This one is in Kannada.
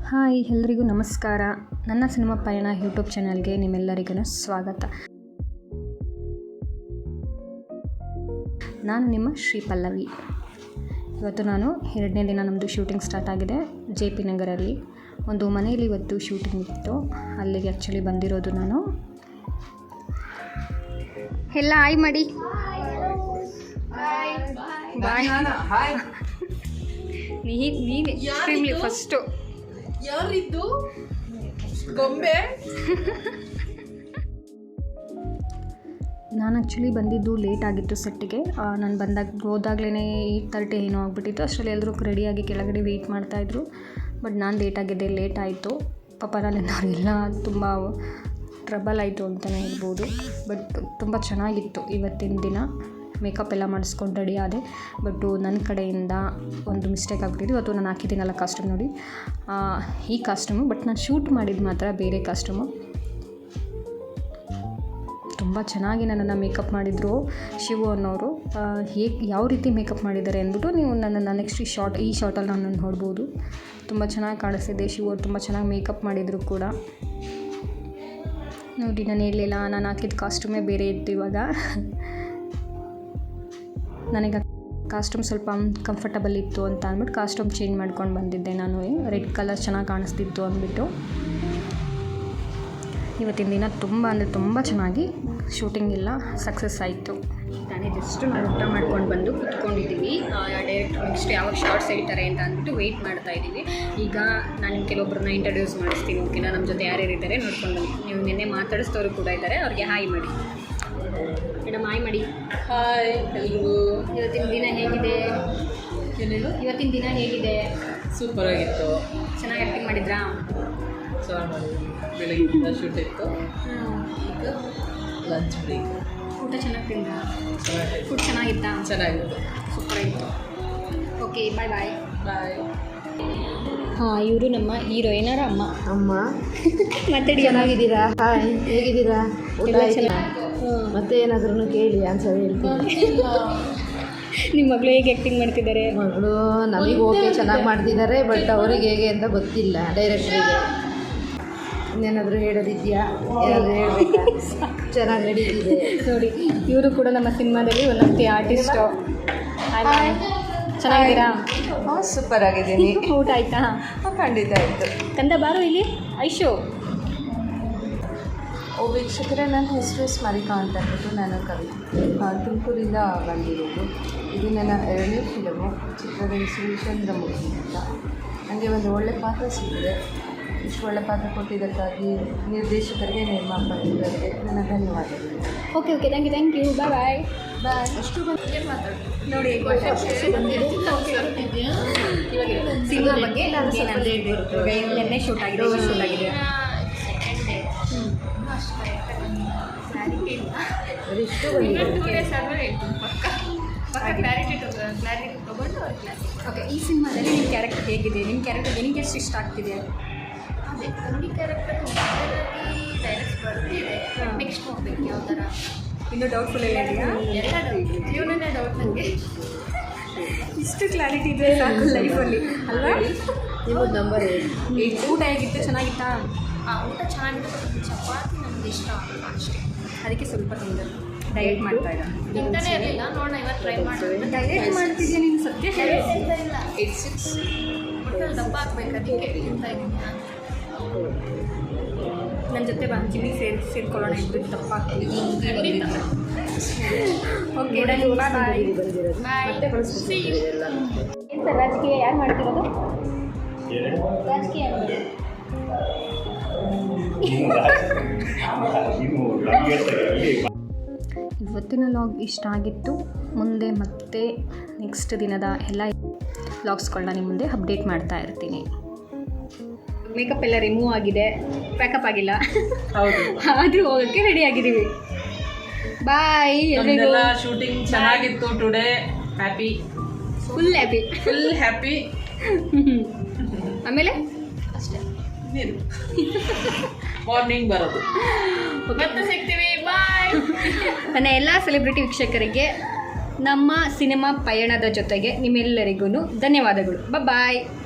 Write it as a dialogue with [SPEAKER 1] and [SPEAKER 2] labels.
[SPEAKER 1] ಹಾಯ್ ಎಲ್ರಿಗೂ ನಮಸ್ಕಾರ. ನನ್ನ ಸಿನಿಮಾ ಪಯಣ ಯೂಟ್ಯೂಬ್ ಚಾನಲ್ಗೆ ನಿಮ್ಮೆಲ್ಲರಿಗೂ ಸ್ವಾಗತ. ನಾನು ನಿಮ್ಮ ಶ್ರೀ ಪಲ್ಲವಿ. ಇವತ್ತು ನಾನು 2ನೇ ದಿನ ನಮ್ಮದು ಶೂಟಿಂಗ್ ಸ್ಟಾರ್ಟ್ ಆಗಿದೆ. JP ನಗರಲ್ಲಿ ಒಂದು ಮನೆಯಲ್ಲಿ ಇವತ್ತು ಶೂಟಿಂಗ್ ಇತ್ತು. ಅಲ್ಲಿಗೆ ಆ್ಯಕ್ಚುಲಿ ಬಂದಿರೋದು ನಾನು. ಎಲ್ಲ ಹಾಯ್ ಮಾಡಿ. ಬಾಯ್. ನೀನು ಎಕ್ಸ್ಟ್ರೀಮ್ಲಿ ಫಸ್ಟು.
[SPEAKER 2] ಯಾರಿದ್ದು ಗೊಂಬೆ?
[SPEAKER 1] ನಾನು ಆ್ಯಕ್ಚುಲಿ ಬಂದಿದ್ದು ಲೇಟ್ ಆಗಿತ್ತು ಸೆಟ್ಟಿಗೆ. ನಾನು ಹೋದಾಗ್ಲೇ 8:30 ಏನೋ ಆಗಿಬಿಟ್ಟಿತ್ತು. ಅಷ್ಟರಲ್ಲಿ ಎಲ್ಲರೂ ರೆಡಿಯಾಗಿ ಕೆಳಗಡೆ ವೆಯ್ಟ್ ಮಾಡ್ತಾಯಿದ್ರು. ಬಟ್ ನಾನು ಲೇಟ್ ಆಯಿತು. ಪಾಪ ನನ್ನೆಲ್ಲ ತುಂಬ ಟ್ರಬಲ್ ಆಯಿತು ಅಂತಲೇ ಹೇಳ್ಬೋದು. ಬಟ್ ತುಂಬ ಚೆನ್ನಾಗಿತ್ತು ಇವತ್ತಿನ ದಿನ. ಮೇಕಪ್ ಎಲ್ಲ ಮಾಡಿಸ್ಕೊಂಡು ರೆಡಿ ಆದೆ. ಬಟ್ಟು ನನ್ನ ಕಡೆಯಿಂದ ಒಂದು ಮಿಸ್ಟೇಕ್ ಆಗಿಬಿಟ್ಟಿದ್ದು. ಇವತ್ತು ನಾನು ಹಾಕಿದ್ದೀನಲ್ಲ ಕಾಸ್ಟ್ಯೂಮ್ ನೋಡಿ, ಈ ಕಾಸ್ಟ್ಯೂಮು. ಬಟ್ ನಾನು ಶೂಟ್ ಮಾಡಿದ್ದು ಮಾತ್ರ ಬೇರೆ ಕಾಸ್ಟ್ಯೂಮು. ತುಂಬ ಚೆನ್ನಾಗಿ ನನ್ನನ್ನು ಮೇಕಪ್ ಮಾಡಿದರು ಶಿವು ಅನ್ನೋರು. ಯಾವ ರೀತಿ ಮೇಕಪ್ ಮಾಡಿದ್ದಾರೆ ಅಂದ್ಬಿಟ್ಟು ನೀವು ನನ್ನನ್ನು ನೆಕ್ಸ್ಟ್ ಈ ಶಾರ್ಟಲ್ಲಿ ನಾನು ನೋಡ್ಬೋದು. ತುಂಬ ಚೆನ್ನಾಗಿ ಕಾಣಿಸ್ತಿದೆ. ಶಿವು ಅವ್ರು ತುಂಬ ಚೆನ್ನಾಗಿ ಮೇಕಪ್ ಮಾಡಿದರು ಕೂಡ. ನೋಡಿ, ನಾನು ಹೇಳಲಿಲ್ಲ, ನಾನು ಹಾಕಿದ ಕಾಸ್ಟ್ಯೂಮೇ ಬೇರೆ ಇತ್ತು. ಇವಾಗ ನನಗೆ ಕಾಸ್ಟ್ಯೂಮ್ ಸ್ವಲ್ಪ ಕಂಫರ್ಟಬಲ್ ಇತ್ತು ಅಂತ ಅಂದ್ಬಿಟ್ಟು ಕಾಸ್ಟ್ಯೂಮ್ ಚೇಂಜ್ ಮಾಡ್ಕೊಂಡು ಬಂದಿದ್ದೆ ನಾನು. ರೆಡ್ ಕಲರ್ ಚೆನ್ನಾಗಿ ಕಾಣಿಸ್ತಿತ್ತು ಅಂದ್ಬಿಟ್ಟು. ಇವತ್ತಿನ ದಿನ ತುಂಬ ಚೆನ್ನಾಗಿ ಶೂಟಿಂಗ್ ಎಲ್ಲ ಸಕ್ಸಸ್ ಆಯಿತು. ತಾನೇ ಜಸ್ಟ್ ನಾವು ಊಟ ಮಾಡ್ಕೊಂಡು ಬಂದು ಕುತ್ಕೊಂಡಿದ್ದೀವಿ. ಡೈರೆಕ್ಟ್ ನೆಕ್ಸ್ಟ್ ಯಾವಾಗ ಶಾರ್ಟ್ಸ್ ಹೇಳ್ತಾರೆ ಅಂತ ಅಂದ್ಬಿಟ್ಟು ವೆಯ್ಟ್ ಮಾಡ್ತಾ ಇದ್ದೀವಿ. ಈಗ ನಾನು ಕೆಲವೊಬ್ಬರನ್ನ ಇಂಟ್ರೊಡ್ಯೂಸ್ ಮಾಡಿಸ್ತೀನಿ. ಓಕೆನಾ? ನಮ್ಮ ಜೊತೆ ಯಾರ್ಯಾರು ಇದ್ದಾರೆ ನೋಡ್ಕೊಂಡು ಬನ್ನಿ. ನೀವು ನಿನ್ನೆ ಮಾತಾಡಿಸಿದವರು ಕೂಡ ಇದ್ದಾರೆ. ಅವ್ರಿಗೆ ಹಾಯ್ ಮಾಡಿ ಮೇಡಮ್. ಹಾಯ್ ಮಾಡಿ.
[SPEAKER 2] ಹಾಯ್ ಎಲ್ರಿಗೂ.
[SPEAKER 1] ಇವತ್ತಿನ ದಿನ ಹೇಗಿದೆ?
[SPEAKER 2] ಏನೇನು?
[SPEAKER 1] ಇವತ್ತಿನ ದಿನ ಹೇಗಿದೆ?
[SPEAKER 2] ಸೂಪರ್ ಆಗಿತ್ತು.
[SPEAKER 1] ಚೆನ್ನಾಗಿ ಆ್ಯಕ್ಟಿಂಗ್ ಮಾಡಿದ್ರಾ?
[SPEAKER 2] ಚೆನ್ನಾಗಿ ಮಾಡಿದ್ವಿ. ಬೆಳಗ್ಗಿಂದ ಶೂಟ್ ಇತ್ತು. ಈಗ ಲಂಚ್ ಬ್ರೇಕ್.
[SPEAKER 1] ಊಟ ಚೆನ್ನಾಗಿ ತಿಂದ?
[SPEAKER 2] ಚೆನ್ನಾಗಿ
[SPEAKER 1] ಫುಡ್ ಚೆನ್ನಾಗಿತ್ತಾ?
[SPEAKER 2] ಚೆನ್ನಾಗಿತ್ತು.
[SPEAKER 1] ಸೂಪರ್ ಆಗಿತ್ತು. Okay, bye bye.
[SPEAKER 2] ಬಾಯ್.
[SPEAKER 1] ಹಾಂ, ಇವರು ನಮ್ಮ ಹೀರೋಯಿನರ ಅಮ್ಮ. ಮಾತಾಡಿ.
[SPEAKER 3] ಚೆನ್ನಾಗಿದ್ದೀರಾ? ಹಾಯ್, ಹೇಗಿದ್ದೀರಾ? ಊಟ ಆಯ್ತಾ? ಮತ್ತೆ ಏನಾದ್ರೂ ಕೇಳಿ ಆನ್ಸರ್ ಹೇಳ್ತೀನಿ.
[SPEAKER 1] ನಿಮ್ಮ ಮಗಳು ಹೇಗೆ ಆ್ಯಕ್ಟಿಂಗ್ ಮಾಡ್ತಿದ್ದಾರೆ?
[SPEAKER 3] ಮಗಳು ನಮಗೆ ಓಕೆ ಚೆನ್ನಾಗಿ ಮಾಡ್ತಿದ್ದಾರೆ. ಬಟ್ ಅವ್ರಿಗೆ ಹೇಗೆ ಅಂತ ಗೊತ್ತಿಲ್ಲ ಡೈರೆಕ್ಟ್ರಿಗೆ. ಇನ್ನೇನಾದರೂ ಹೇಳೋದಿದೆಯಾ? ಏನಾದರೂ ಹೇಳಬೇಕಾ? ಚೆನ್ನಾಗಿ ನಡೀತಿದೆ
[SPEAKER 1] ನೋಡಿ. ಇವರು ಕೂಡ ನಮ್ಮ ಸಿನಿಮಾದಲ್ಲಿ ಒಂದೊಂದು ಆರ್ಟಿಸ್ಟು. ಚೆನ್ನಾಗಿದ್ದೀರಾ?
[SPEAKER 3] ಹಾಂ, ಸೂಪರ್ ಆಗಿದ್ದೀನಿ.
[SPEAKER 1] ಊಟ ಆಯಿತಾ?
[SPEAKER 3] ಖಂಡಿತ ಆಯಿತು.
[SPEAKER 1] ಕಂದ ಬಾರು ಇಲ್ಲಿ. ಐಶು.
[SPEAKER 3] ವೀಕ್ಷಕರೇ, ನನ್ನ ಹೆಸರು ಸ್ಮರಿಕಾ ಅಂತ ಅಂದ್ಬಿಟ್ಟು ನಾನು ಕವಿ ತುಮಕೂರಿಂದ ಬಂದಿರೋದು. ಇದು ನನ್ನ 2ನೇ ಫಿಲಮು. ಚಿತ್ರದ ಹೆಸರು ಚಂದ್ರಮುಖಿ ಅಂತ. ನನಗೆ ಒಂದು ಒಳ್ಳೆ ಪಾತ್ರ ಸಿಕ್ಕಿದೆ. ಇಷ್ಟು ಒಳ್ಳೆ ಪಾತ್ರ ಕೊಟ್ಟಿದ್ದಕ್ಕಾಗಿ ನಿರ್ದೇಶಕರಿಗೆ, ನಿರ್ಮಾಪಕರಿಗೆ ನನ್ನ ಧನ್ಯವಾದಗಳು.
[SPEAKER 1] Okay, thank you. ಬಾಯ್.
[SPEAKER 3] ಅಷ್ಟು ಬಂದು ಮಾತಾಡಿ
[SPEAKER 1] ನೋಡಿ. ಸಿನಿಮಾ ಬಗ್ಗೆ ನೆನ್ನೆ ಶೂಟ್ ಆಗಿದೆ, ಶೂಟ್ ಆಗಿದೆ.
[SPEAKER 3] ಇಷ್ಟು ಬಂದಿದೆ.
[SPEAKER 1] ಓಕೆ, ಈ ಸಿನಿಮಾದಲ್ಲಿ ನಿಮ್ಮ ಕ್ಯಾರೆಕ್ಟರ್ ಹೇಗಿದೆ? ನಿಮ್ಮ ಕ್ಯಾರೆಕ್ಟರ್ ನಿಮಗೆ ಎಷ್ಟು ಇಷ್ಟ ಆಗ್ತಿದೆ?
[SPEAKER 4] ಅದೇ ನನಗೆ ಕ್ಯಾರೆಕ್ಟರ್ ಡೈರೆಕ್ಟ್ ಬರ್ತಿದೆ. ನೆಕ್ಸ್ಟ್ ಹೋಗ್ಬೇಕು ಯಾವ ಥರ.
[SPEAKER 1] ಇನ್ನೂ ಡೌಟ್ಫುಲ್ ಎಲ್ಲ ಇದೆಯಾ?
[SPEAKER 4] ಎಲ್ಲ ಡೌಟ್, ಜೀವನನೇ ಡೌಟ್ ನನಗೆ.
[SPEAKER 1] ಇಷ್ಟು ಕ್ಲಾರಿಟಿ ಇದೆ ಸಾಕು ಲೈಫಲ್ಲಿ ಅಲ್ವಾ?
[SPEAKER 3] ನಿಮ್ಮದು ನಂಬರ್
[SPEAKER 1] ಊಟ ಹೇಗಿತ್ತು? ಚೆನ್ನಾಗಿತ್ತಾ?
[SPEAKER 4] ಊಟ ಚೆನ್ನಾಗಿತ್ತು. ಚಪಾತಿ ನಮ್ಗೆ ಇಷ್ಟ ಆಗಲ್ಲ ಅಷ್ಟೇ.
[SPEAKER 1] ಅದಕ್ಕೆ ಸ್ವಲ್ಪ ತಿಂದೆ. ಡಯಟ್ ಮಾಡ್ತಾ ಇದ್ದ?
[SPEAKER 4] ತಿಂತಾನೆ ಇರಲಿಲ್ಲ. ನೋಡೋಣ, ಇವತ್ತು ಟ್ರೈ ಮಾಡೋಣ.
[SPEAKER 1] ಡಯಟ್ ಮಾಡ್ತಿದ್ಯಾ ನೀನು? ಸತ್ಯ ಹೇಳಿ.
[SPEAKER 4] ಇಲ್ಲ 86 ಒಟ್ಟಲ್ಲಿ ದಪ್ಪ ಹಾಕ್ಬೇಕು, ಅದಕ್ಕೆ ತಿಂತಾ ಇದ್ದೀನಿ.
[SPEAKER 1] ನನ್ನ ಜೊತೆ ಜಿಮ್ಮಿಗೆ ಸೇರ್ಕೊಳ್ಳೋಣ. ಇಬ್ಬರು ದಪ್ಪ ಆಗ್ತೀವಿ. Okay, bye. ಏನು ಸರ್, ರಾಜಕೀಯ ಯಾರು ಮಾಡ್ತಿರೋದು? ರಾಜಕೀಯ ಇವತ್ತಿನ ಲಾಗ್ ಇಷ್ಟ ಆಗಿತ್ತು. ಮುಂದೆ ಮತ್ತೆ ನೆಕ್ಸ್ಟ್ ದಿನದ ಎಲ್ಲ ಲಾಗ್ಸ್ಗಳನ್ನ ನಿಮ್ಮ ಮುಂದೆ ಅಪ್ಡೇಟ್ ಮಾಡ್ತಾ ಇರ್ತೀನಿ. ಮೇಕಪ್ ಎಲ್ಲ ರಿಮೂವ್ ಆಗಿದೆ, ಪ್ಯಾಕಪ್ ಆಗಿಲ್ಲ.
[SPEAKER 2] ಹೌದು,
[SPEAKER 1] ಆದರೂ ಹೋಗೋಕ್ಕೆ ರೆಡಿ ಆಗಿದ್ದೀವಿ. ಬಾಯ್ ಎಲ್ರಿಗೂ.
[SPEAKER 2] ಶೂಟಿಂಗ್ ಚೆನ್ನಾಗಿತ್ತು. Today happy,
[SPEAKER 1] full
[SPEAKER 2] happy.
[SPEAKER 1] ಆಮೇಲೆ
[SPEAKER 4] ಅಷ್ಟೇ.
[SPEAKER 2] ಮಾರ್ನಿಂಗ್ ಬರೋದು.
[SPEAKER 4] ಮತ್ತೆ ಸಿಗ್ತೀವಿ. ಬಾಯ್.
[SPEAKER 1] ನನ್ನ ಎಲ್ಲ ಸೆಲೆಬ್ರಿಟಿ ವೀಕ್ಷಕರಿಗೆ ನಮ್ಮ ಸಿನಿಮಾ ಪಯಣದ ಜೊತೆಗೆ ನಿಮ್ಮೆಲ್ಲರಿಗೂ ಧನ್ಯವಾದಗಳು. ಬಾಯ್.